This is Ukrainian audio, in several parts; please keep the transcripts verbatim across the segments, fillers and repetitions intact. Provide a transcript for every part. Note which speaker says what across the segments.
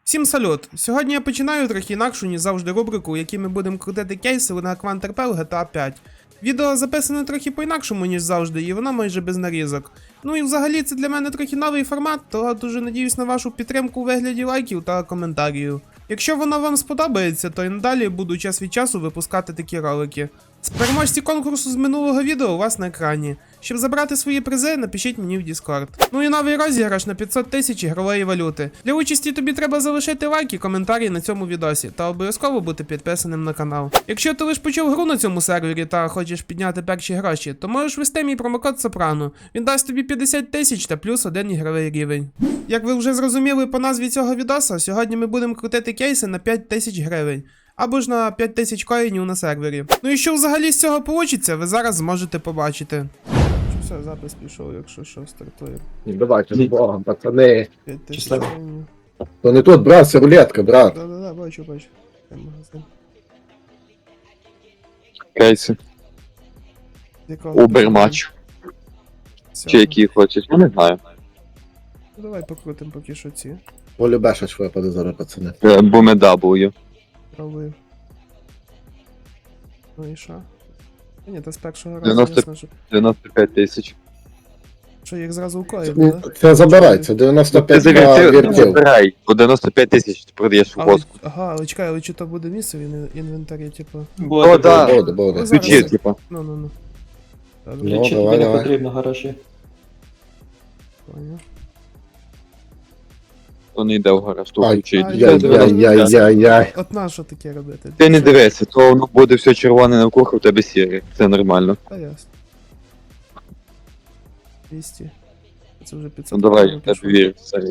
Speaker 1: Всім салют! Сьогодні я починаю трохи інакшу, ніж завжди рубрику, у якій ми будемо крутити кейси на Квантерпел джі ті ей п'ять. Відео записане трохи по-інакшому, ніж завжди, і воно майже без нарізок. Ну і взагалі це для мене трохи новий формат, то дуже надіюсь на вашу підтримку у вигляді лайків та коментарів. Якщо воно вам сподобається, то і надалі буду час від часу випускати такі ролики. Переможці конкурсу з минулого відео у вас на екрані. Щоб забрати свої призи, напишіть мені в Discord. Ну і новий розіграш на п'ятсот тисяч ігрової валюти. Для участі тобі треба залишити лайк і коментарі на цьому відосі, та обов'язково бути підписаним на канал. Якщо ти лише почув гру на цьому сервері та хочеш підняти перші гроші, то можеш ввести мій промокод Сопрано. Він дасть тобі п'ятдесят тисяч та плюс один ігровий рівень. Як ви вже зрозуміли по назві цього відоса, сьогодні ми будемо крутити кейси на п'ять тисяч гривень. Або ж на п'ять тисяч коїнів на сервері. Ну і що взагалі з цього получиться, ви зараз зможете побачити. Що все, запис пішов, якщо що, стартує.
Speaker 2: Не давайте з Богом, пацани.
Speaker 1: п'ять тисяч коїнів.
Speaker 2: То не тут, брат, це рулетка, брат.
Speaker 1: Да-да-да, бачу, бачу. Там магазин.
Speaker 3: Кейси.
Speaker 1: Якого
Speaker 3: Убермач.
Speaker 1: Всього.
Speaker 3: Чи які хочеш, я не знаю.
Speaker 1: Ну, давай покрутим поки що ці.
Speaker 2: Полюбешач випаде зараз, пацани.
Speaker 3: Бумедабую.
Speaker 1: Пробую. Ну і що? Та ні, та з першого разу,
Speaker 3: дев'яносто
Speaker 1: ясно, що,
Speaker 3: дев'яносто п'ять тисяч.
Speaker 1: що їх зразу укоїв,
Speaker 2: Ну,
Speaker 1: да?
Speaker 2: Це забирай, це дев'яносто
Speaker 3: Ти
Speaker 2: п'ять
Speaker 3: забирай,
Speaker 2: віртів.
Speaker 3: забирай. По дев'яносто п'ять тисяч ти продаєш у
Speaker 1: Але,
Speaker 3: воску.
Speaker 1: ага, але чекай, але чи то буде місце в ін- інвентарі, типу?
Speaker 3: О, да.
Speaker 2: Буде, буде.
Speaker 1: Зараз.
Speaker 3: Ключі, типа.
Speaker 1: Ну, ну, ну. Добре,
Speaker 2: Ну,
Speaker 4: Чи
Speaker 2: давай,
Speaker 4: тобі не
Speaker 2: давай.
Speaker 4: потрібно гаражі?
Speaker 1: поняв.
Speaker 3: То не йде в гараж, то
Speaker 2: Ай,
Speaker 3: ключі.
Speaker 1: ай,
Speaker 2: Яй-яй-яй-яй-яй.
Speaker 1: От на що таке робити?
Speaker 3: Ти не
Speaker 1: Що?
Speaker 3: дивися, то воно буде все червоне навкруги, у тебе сіре. Це нормально.
Speaker 1: Та ясно. двісті. Це вже
Speaker 3: Ну
Speaker 1: п'ятсот.
Speaker 3: давай,
Speaker 1: гривень
Speaker 3: я
Speaker 1: пішло.
Speaker 3: тобі вірю, Сергій.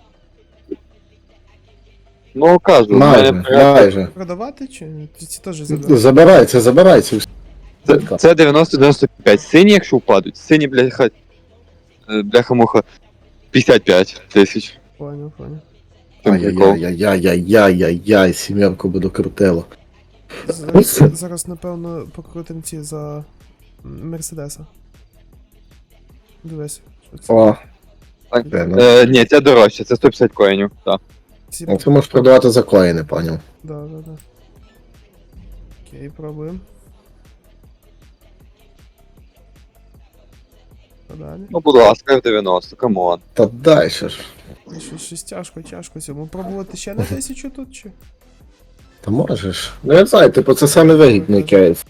Speaker 3: Ну, кажу, в
Speaker 2: Майже,
Speaker 3: мене порядок.
Speaker 2: майже.
Speaker 1: Продавати чи ці ці теж забрати?
Speaker 2: Забирай, це забирай. Це
Speaker 3: Це, це дев'яносто дев'яносто п'ять. Сині, якщо впадуть, сині, бляха, е, бляха-муха, п'ятдесят п'ять тисяч.
Speaker 1: Поняв, поняв.
Speaker 3: Чим прикол?
Speaker 2: Ай-яй-яй-яй-яй-яй-яй, сімерку буду крутило.
Speaker 1: Зараз, зараз напевно, покрутим ці за Мерседеса. Дивись. Що це?
Speaker 2: О,
Speaker 3: Так,
Speaker 2: Де, ну?
Speaker 3: е, ні, це дорожче, це сто п'ятдесят коїнів, так.
Speaker 1: Ці...
Speaker 2: ну це можеш продавати за коїни, поняв.
Speaker 1: Да, да, да. Окей, пробуємо. Подалі.
Speaker 3: Ну, будь ласка, в дев'яносто, камон.
Speaker 2: Та дай ще ж.
Speaker 1: Ну, Щось, щось тяжко, тяжко цьому. Пробувати ще на тисячу тут чи?
Speaker 2: Та можеш. Ну я знаю, типу це саме вигідний кейс.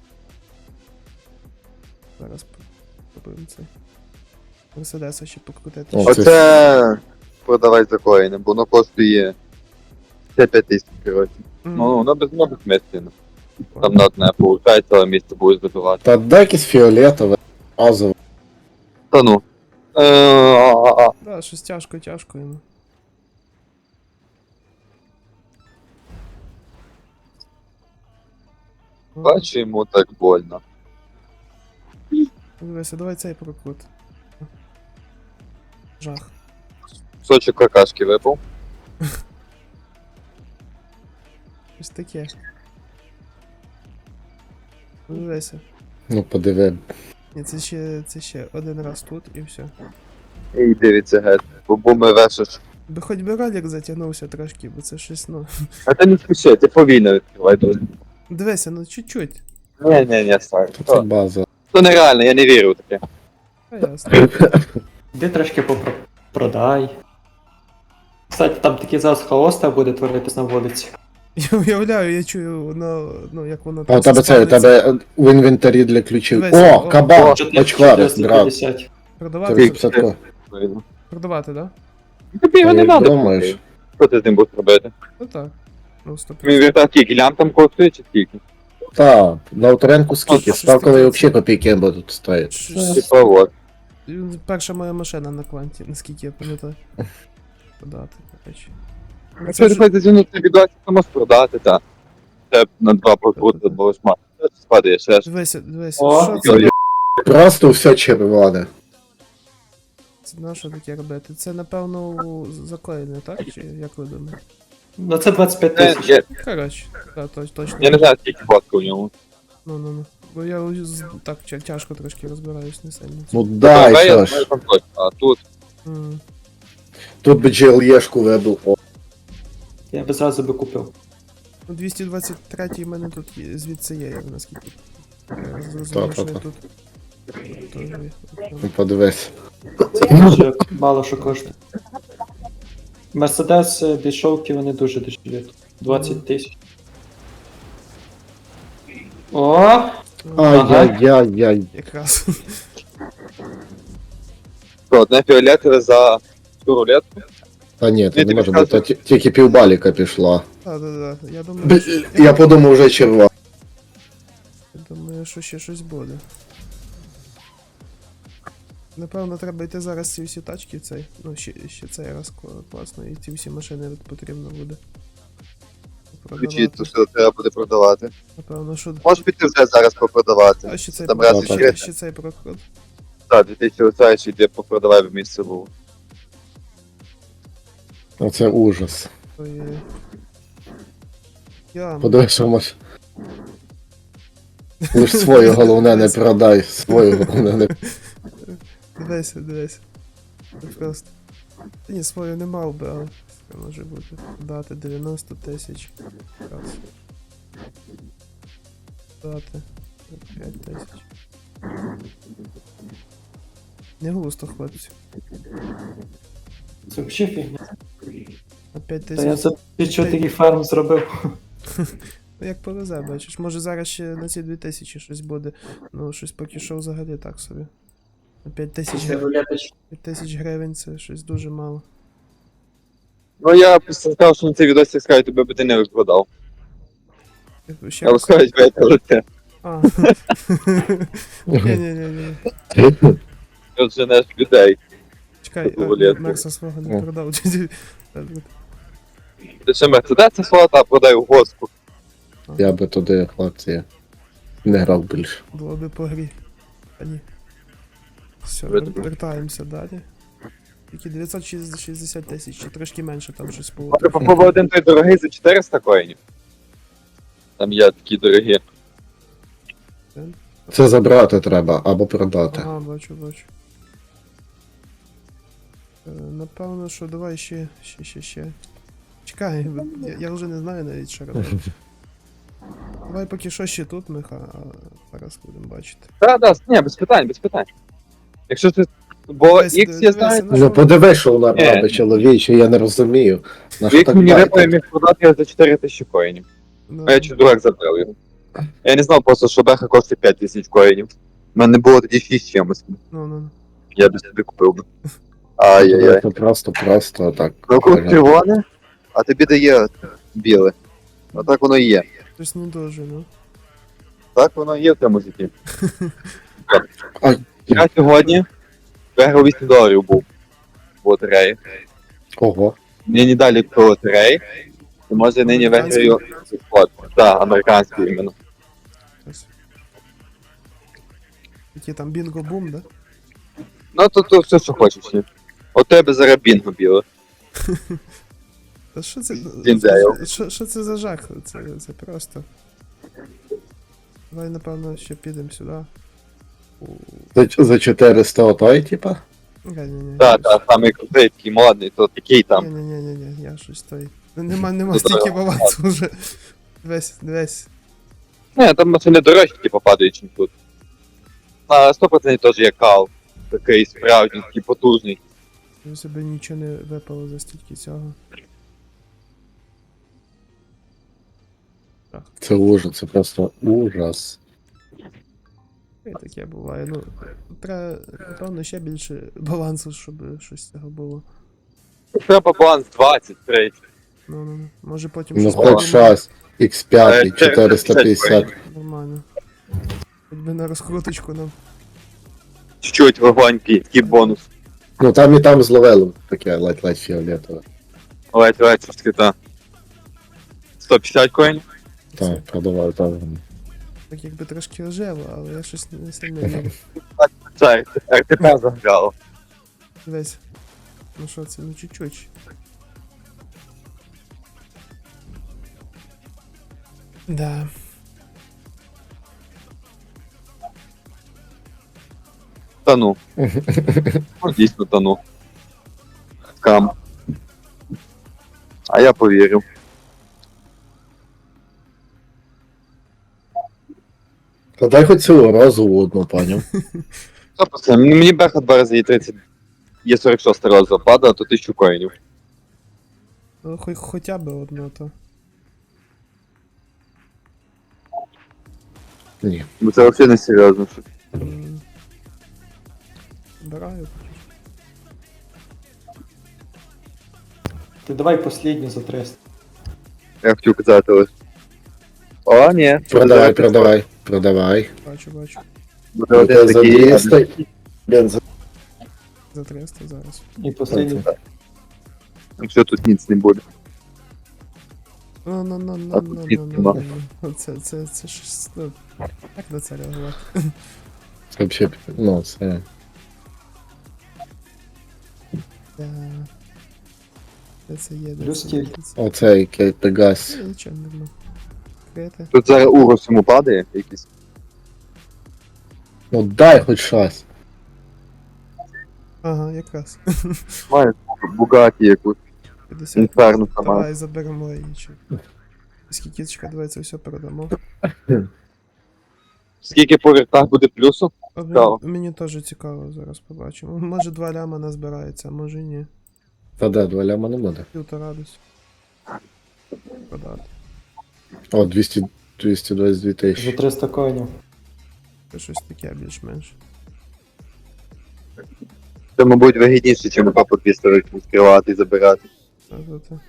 Speaker 1: Зараз попробуємо це. Мерседеса ще покрутити.
Speaker 2: О,
Speaker 1: Ще-
Speaker 2: це-
Speaker 3: Оце продавай за коїни, бо воно коштує п'ятдесят п'ять тисяч, коротше.
Speaker 1: М,
Speaker 3: Ну, воно без воно безмістено.
Speaker 1: понял.
Speaker 3: Там на одне получається, але місце буде збудувати.
Speaker 2: Та дай якесь фіолетове, азове.
Speaker 3: Та ну. Е, а, а, а.
Speaker 1: Да, щось тяжко, тяжко йому.
Speaker 3: Бачу, йому так больно.
Speaker 1: Дивися, давай цей прокрут. Жах.
Speaker 3: Сочок какашки випав.
Speaker 1: Щось таке. Дивися.
Speaker 2: Ну подиви.
Speaker 1: Ні, це ще, це ще один раз тут і все.
Speaker 3: І дивіться геть. Бо буми вешиш.
Speaker 1: Би хоч би ролик затягнувся трошки, бо це щось, ну.
Speaker 3: А ти не спіши, ти повільно відкривай дуже.
Speaker 1: Дивися, ну чуть-чуть.
Speaker 3: Ні, ні, ні, старий.
Speaker 2: Та це
Speaker 3: То,
Speaker 2: база.
Speaker 3: то нереально, я не вірю в таке.
Speaker 1: А ясно.
Speaker 4: Іди трошки попродай. Кстати, там такий зараз хаоста буде творитись на вулиці.
Speaker 1: Я уявляю, я чую, воно, ну як воно
Speaker 2: А у тебе це, у тебе в інвентарі для ключів.
Speaker 1: Дивись,
Speaker 2: О,
Speaker 1: о,
Speaker 2: кабан,
Speaker 4: чотириста
Speaker 2: очкварик, брат.
Speaker 4: п'ятдесят.
Speaker 1: Продавати,
Speaker 2: тридцять ко.
Speaker 3: Видно.
Speaker 1: продавати, да?
Speaker 3: Тобі його
Speaker 2: А
Speaker 3: не
Speaker 2: як
Speaker 3: треба.
Speaker 2: думаєш?
Speaker 3: Що ти з ним будеш робити?
Speaker 1: Ну так. Ну, стоп.
Speaker 3: Мій віртак скільки? Лям там коштує чи скільки?
Speaker 2: Та, на авторинку скільки?
Speaker 1: Щось
Speaker 2: Ставкові
Speaker 1: таке.
Speaker 2: взагалі копійки будуть стоїти.
Speaker 1: Щось-
Speaker 3: Типа от.
Speaker 1: Перша моя машина на кванті, наскільки я пам'ятаю. Продати, до речі.
Speaker 3: Це
Speaker 1: Це
Speaker 3: ж
Speaker 1: ж-
Speaker 3: хоч зазінути відосик, то можеш продати, так. Це на два прокрути, бо ж мати. Спадає ще ж.
Speaker 1: Дивися, дивися,
Speaker 4: О,
Speaker 1: що це?
Speaker 3: Йо-йо.
Speaker 2: Просто все червоне.
Speaker 1: Це на що таке робити? Це, напевно, закоєне, так? Чи як ви думаєте?
Speaker 4: Ну це двадцять п'ять
Speaker 3: Е,
Speaker 4: тисяч.
Speaker 3: Я,
Speaker 1: Коротше, так, точ, точно.
Speaker 3: я не знаю, скільки фотка у ньому.
Speaker 1: Ну, ну, ну. Бо я ось з- так тя- тяжко трошки розбираюсь, не сильно.
Speaker 2: Ну дай
Speaker 3: Давай, я
Speaker 2: все
Speaker 3: знаю,
Speaker 2: ж.
Speaker 3: там точно. А тут
Speaker 1: М.
Speaker 2: Тут би джі ел є-шку вибив. О,
Speaker 4: Я би зразу би купив.
Speaker 1: Ну, двісті двадцять три в мене тут є, звідси є, я наскільки. Я зрозумів, що я
Speaker 2: Та-та-та.
Speaker 1: тут. Теж є.
Speaker 2: Ну, подивись.
Speaker 4: Це дуже мало що коштує. Мерседес е, бішовки вони дуже дешеві. двадцять тисяч. О!
Speaker 2: Ай-яй-яй-яй.
Speaker 1: Якраз.
Speaker 3: Що, одне фіолетове за цю рулетку?
Speaker 2: Та ні, це
Speaker 3: Ні,
Speaker 2: не
Speaker 3: ти
Speaker 2: може бути,
Speaker 3: підказуй.
Speaker 2: ті- тільки півбаліка пішла.
Speaker 1: Так, так, так. Я думаю,
Speaker 2: Б-
Speaker 1: що,
Speaker 2: Я подумав вже черва.
Speaker 1: я думаю, що ще щось буде. Напевно, треба йти зараз ці всі тачки, цей. Ну, ще, ще цей раз кла- класно, і ці всі машини потрібно буде.
Speaker 3: Ключі,
Speaker 1: Продавати.
Speaker 3: то що треба буде продавати.
Speaker 1: Напевно, що.
Speaker 3: Можеш піти вже зараз попродавати.
Speaker 1: А ще цей
Speaker 3: Там
Speaker 1: проход.
Speaker 3: раз
Speaker 2: так.
Speaker 1: ще,
Speaker 3: ще,
Speaker 1: ще цей проход.
Speaker 3: так, дві тисячі оцей, йде попродавай в місце був.
Speaker 2: Оце ужас.
Speaker 1: Ой. Я.
Speaker 2: Подивись, що маш. Лиш свою головне не продай. Свою головне не.
Speaker 1: Дивися, дивися. Це просто. Та ні, свою не мав би, але це може бути. Дати дев'яносто тисяч. Раз. Дати п'ять тисяч. Не густо, хлопці.
Speaker 4: Це взагалі фігня.
Speaker 1: На п'ять
Speaker 4: Та я
Speaker 1: тисяч.
Speaker 4: за чотири фарм зробив.
Speaker 1: Ну як повезе, бачиш. Може зараз ще на ці дві тисячі щось буде. Ну, щось поки що взагалі так собі. На п'ять тисяч гривень. п'ять тисяч гривень це щось дуже мало.
Speaker 3: Ну я просто сказав, що на цей відосі скажу, тебе би ти не викладав.
Speaker 1: Ще
Speaker 3: Я
Speaker 1: раз.
Speaker 3: розкажу, витягнути.
Speaker 1: А. Ні-ні-ні.
Speaker 3: Ти женеш людей.
Speaker 1: Чекай,
Speaker 3: Таку
Speaker 1: а,
Speaker 3: рулетку.
Speaker 1: Мерса свого не
Speaker 2: О.
Speaker 1: продав.
Speaker 3: Ти ще мерседеса свого та продай у госку.
Speaker 2: Я би туди, хлопці, не грав більше.
Speaker 1: Було би по грі. А ні. Все,
Speaker 3: Видно.
Speaker 1: вер- вертаємося далі. Тільки дев'ятсот шістдесят тисяч, чи трошки менше там щось було.
Speaker 3: Може попробуй один той дорогий за чотириста коїнів. Там є такі дорогі.
Speaker 2: Це забрати треба або продати.
Speaker 1: Ага, бачу, бачу. Е, Напевно, що давай ще, ще, ще, ще. Чекай, бо я, я вже не знаю навіть, що робити. Давай поки що ще тут, Миха, а зараз будемо бачити.
Speaker 3: Так, так, ні, без питань, без питань. Якщо ти. Бо
Speaker 1: Дивись,
Speaker 3: X я
Speaker 1: дивись,
Speaker 3: знаю,
Speaker 1: ну,
Speaker 2: Ну подивись, що вона
Speaker 3: Ні.
Speaker 2: робить, чоловіче, я не розумію. На що
Speaker 3: X
Speaker 2: так
Speaker 3: мені випає
Speaker 2: дайте?
Speaker 3: міг продати його за чотири тисячі коїнів.
Speaker 1: Ну,
Speaker 3: А я чуть дурак забрав його. Я не знав просто, що беха коштує п'ять тисяч коїнів. У мене було тоді шість чимось.
Speaker 1: ну, ну.
Speaker 3: Я б собі купив би. Ай-яй-яй.
Speaker 2: Це просто, просто так.
Speaker 3: Ну купив червоне, а тобі дає біле. А так воно і є.
Speaker 1: Щось не дуже, ну.
Speaker 3: Так воно і є в цьому житті.
Speaker 2: Ай.
Speaker 3: Я сьогодні виграв вісім доларів був в лотереї.
Speaker 2: Ого.
Speaker 3: Нині далі по лотереї. І може нині виграю спот. Так, американський іменно.
Speaker 1: Щось. Який там бінго-бум, да?
Speaker 3: Ну то, то все, що хочеш. ні. От тебе зараз бінго біле.
Speaker 1: Та що це?
Speaker 3: Діндейл.
Speaker 1: Що, що це за жах? Це, це просто. Давай, напевно, ще підемо сюди. У...
Speaker 2: За, за чотириста отой, типа?
Speaker 1: Ні-ні-ні.
Speaker 3: Так, так, самий крутий, такий модний, то такий там.
Speaker 1: Ні-ні-ні, я щось той. Нема, нема
Speaker 3: Ну,
Speaker 1: стільки
Speaker 3: давай.
Speaker 1: балансу вже. Дивись, дивись.
Speaker 3: Не, там машини дорожчі, типу, падають, ніж тут. На сто відсотків теж є кал. Такий справжній, такий потужний.
Speaker 1: У себе нічого не випало за стільки цього.
Speaker 2: Це ужас, це просто ужас.
Speaker 1: І таке буває. Ну, треба, напевно, ще більше балансу, щоб щось з цього було.
Speaker 3: Треба баланс двадцять, тридцять.
Speaker 1: Ну, ну, ну. Може потім
Speaker 2: Ну
Speaker 1: щось
Speaker 2: хоч
Speaker 1: придумаємо.
Speaker 2: щас, ікс п'ять,
Speaker 3: Е,
Speaker 2: чотириста п'ятдесят.
Speaker 1: Нормально. Хоч би на розкруточку нам.
Speaker 3: Чуть-чуть вогонький, такий бонус.
Speaker 2: Ну там і там зловили таке ледь-ледь фіолетове.
Speaker 3: Ледь, ледь, щось таке, та. сто п'ятдесят коїнів.
Speaker 2: Так, продавав там.
Speaker 1: Так якби трошки ожево, але я щось не сильно вірю.
Speaker 3: Це ер те пе заграло.
Speaker 1: Дивись. Ну що це, ну чуть-чуть. Да.
Speaker 3: Тану. Ну, дійсно тану. Скам. А я повірив.
Speaker 2: Та дай хоч цю розову одну, паню.
Speaker 3: Що пацан, мені беха два рази є тридцять. Є сорок шість разів падає, то тисячу коїнів.
Speaker 1: Ну, хоч, хоча б одно то.
Speaker 2: Ні.
Speaker 3: Бо це взагалі не серйозно. що-
Speaker 1: М. Збираю.
Speaker 4: Ти давай послідню за триста.
Speaker 3: Я хотів казати, але... О, ні.
Speaker 2: Продавай, продавай, продавай.
Speaker 1: Бачу, бачу.
Speaker 3: Буде один
Speaker 2: За
Speaker 3: такий.
Speaker 2: двісті. Блін, за
Speaker 1: За триста зараз.
Speaker 4: І послідню.
Speaker 3: Якщо тут ніц не буде.
Speaker 1: Ну, ну, ну, ну,
Speaker 3: А
Speaker 1: ну,
Speaker 3: тут
Speaker 1: ну,
Speaker 3: ніц
Speaker 1: ну,
Speaker 3: нема.
Speaker 1: ну. Це, це, це щось, ну, як на це реагувати?
Speaker 2: це взагалі, ну, це...
Speaker 1: Е, Де це є, де
Speaker 4: Плюс
Speaker 1: це є,
Speaker 4: стіль.
Speaker 1: де це?
Speaker 2: Оцей Кей Пегас.
Speaker 1: Е, Нічого не було. Крити.
Speaker 3: Тут зараз урос йому падає якийсь.
Speaker 2: Ну дай хоч щось.
Speaker 1: Ага, якраз.
Speaker 3: Має бугаті якусь.
Speaker 1: п'ятдесят.
Speaker 3: Інферно сама.
Speaker 1: Давай заберемо її. чи- Скільки чекай, давай це все передамо.
Speaker 3: Скільки по вертах буде плюсу?
Speaker 1: А мені,
Speaker 3: Цікаво.
Speaker 1: мені теж цікаво, зараз побачимо. Може два ляма назбирається, а може і ні.
Speaker 2: Та де, два ляма не буде.
Speaker 1: Півтора десь. Продати.
Speaker 2: О, двісті, двісті двадцять дві
Speaker 4: За
Speaker 2: тисячі.
Speaker 4: триста коїнів.
Speaker 1: Це щось таке більш-менш.
Speaker 3: Це, мабуть, вигідніше, чим по двісті відкривати і забирати.
Speaker 1: Та-та-та.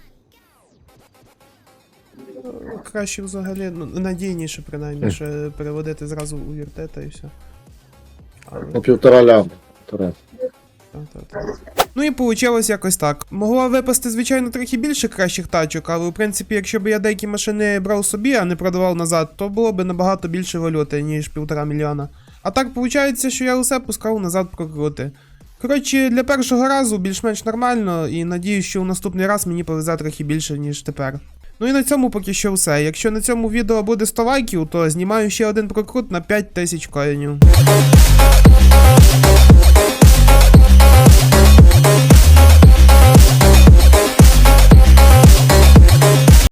Speaker 1: Ну, краще взагалі, ну, надійніше принаймні, що переводити зразу у віртета і все. Але,
Speaker 2: Ну, півтора ляма. Півтора.
Speaker 1: та-та-та. Ну і вийшло якось так. Могло випасти, звичайно, трохи більше кращих тачок, але в принципі, якщо б я деякі машини брав собі, а не продавав назад, то було б набагато більше валюти, ніж півтора мільйона. А так виходить, що я усе пускав назад прокрути. Коротше, для першого разу більш-менш нормально, і надіюсь, що у наступний раз мені повезе трохи більше, ніж тепер. Ну і на цьому поки що все. Якщо на цьому відео буде сто лайків, то знімаю ще один прокрут на п'ять тисяч коїнів.